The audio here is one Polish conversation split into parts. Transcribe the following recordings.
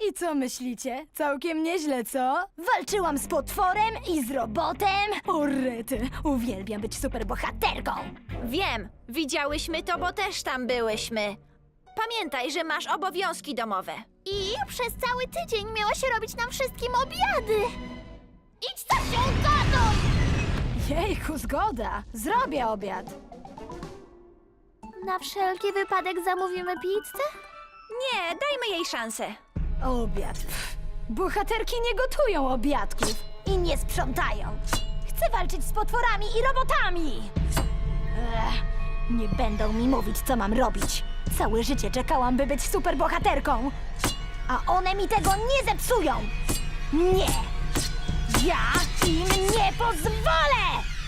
I co myślicie? Całkiem nieźle, co? Walczyłam z potworem i z robotem. O rety, uwielbiam być superbohaterką. Wiem, widziałyśmy to, bo też tam byłyśmy. Pamiętaj, że masz obowiązki domowe. I przez cały tydzień miałaś robić nam wszystkim obiady. Idź za się gadą! Jejku, zgoda. Zrobię obiad. Na wszelki wypadek zamówimy pizzę? Nie, dajmy jej szansę. Obiad. Pff. Bohaterki nie gotują obiadków i nie sprzątają. Chcę walczyć z potworami i robotami. Nie będą mi mówić, co mam robić. Całe życie czekałam, by być superbohaterką. A one mi tego nie zepsują. Nie! Ja im nie pozwolę!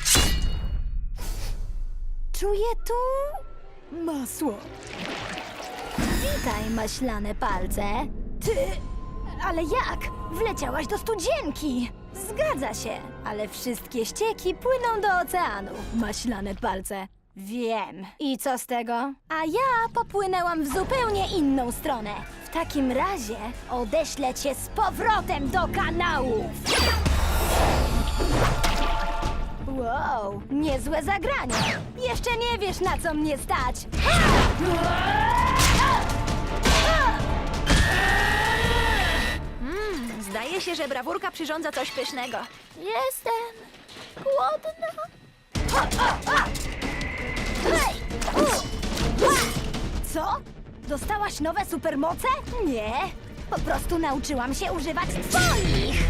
Czuję tu masło. Witaj, maślane palce. Ty... Ale jak? Wleciałaś do studzienki! Zgadza się, ale wszystkie ścieki płyną do oceanu, maślane palce. Wiem. I co z tego? A ja popłynęłam w zupełnie inną stronę. W takim razie odeślę cię z powrotem do kanałów. Wow, niezłe zagranie. Jeszcze nie wiesz, na co mnie stać. Zdaje się, że brawurka przyrządza coś pysznego. Jestem głodna. Co? Dostałaś nowe supermoce? Nie. Po prostu nauczyłam się używać twoich.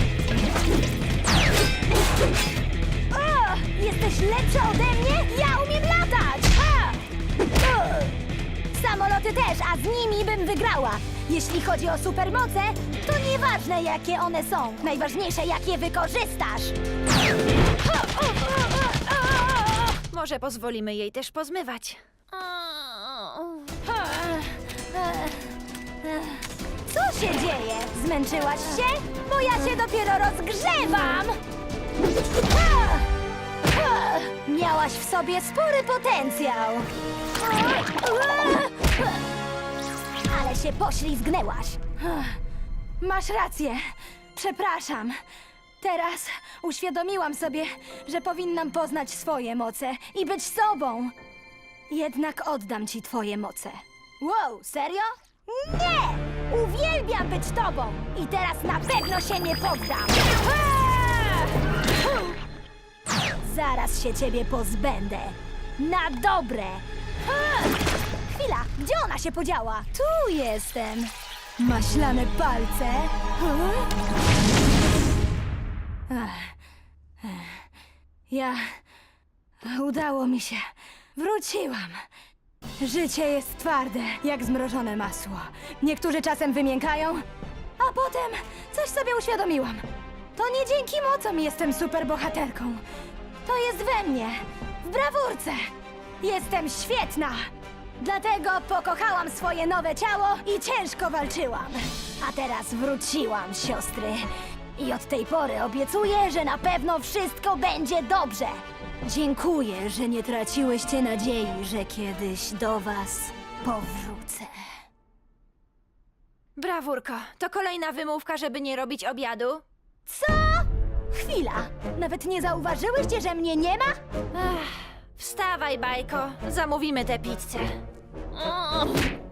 O, jesteś lepsza ode mnie? Ja umiem latać! Ha! Samoloty też, a z nimi bym wygrała. Jeśli chodzi o supermoce, to nieważne, jakie one są. Najważniejsze, jak je wykorzystasz. Może pozwolimy jej też pozmywać. Co się dzieje? Zmęczyłaś się? Bo ja się dopiero rozgrzewam! Miałaś w sobie spory potencjał. Ale się poślizgnęłaś. Masz rację. Przepraszam. Teraz uświadomiłam sobie, że powinnam poznać swoje moce i być sobą. Jednak oddam ci twoje moce. Wow, serio? Nie! Uwielbiam być tobą! I teraz na pewno się nie poddam! Zaraz się ciebie pozbędę. Na dobre! Chwila, gdzie ona się podziała? Tu jestem. Maślane palce. Udało mi się. Wróciłam. Życie jest twarde, jak zmrożone masło. Niektórzy czasem wymiękają, a potem coś sobie uświadomiłam. To nie dzięki mocom jestem superbohaterką. To jest we mnie, w brawurce. Jestem świetna. Dlatego pokochałam swoje nowe ciało i ciężko walczyłam. A teraz wróciłam, siostry. I od tej pory obiecuję, że na pewno wszystko będzie dobrze. Dziękuję, że nie traciłyście nadziei, że kiedyś do was powrócę. Brawurko, to kolejna wymówka, żeby nie robić obiadu? Co? Chwila! Nawet nie zauważyłyście, że mnie nie ma? Wstawaj, bajko, zamówimy tę pizzę.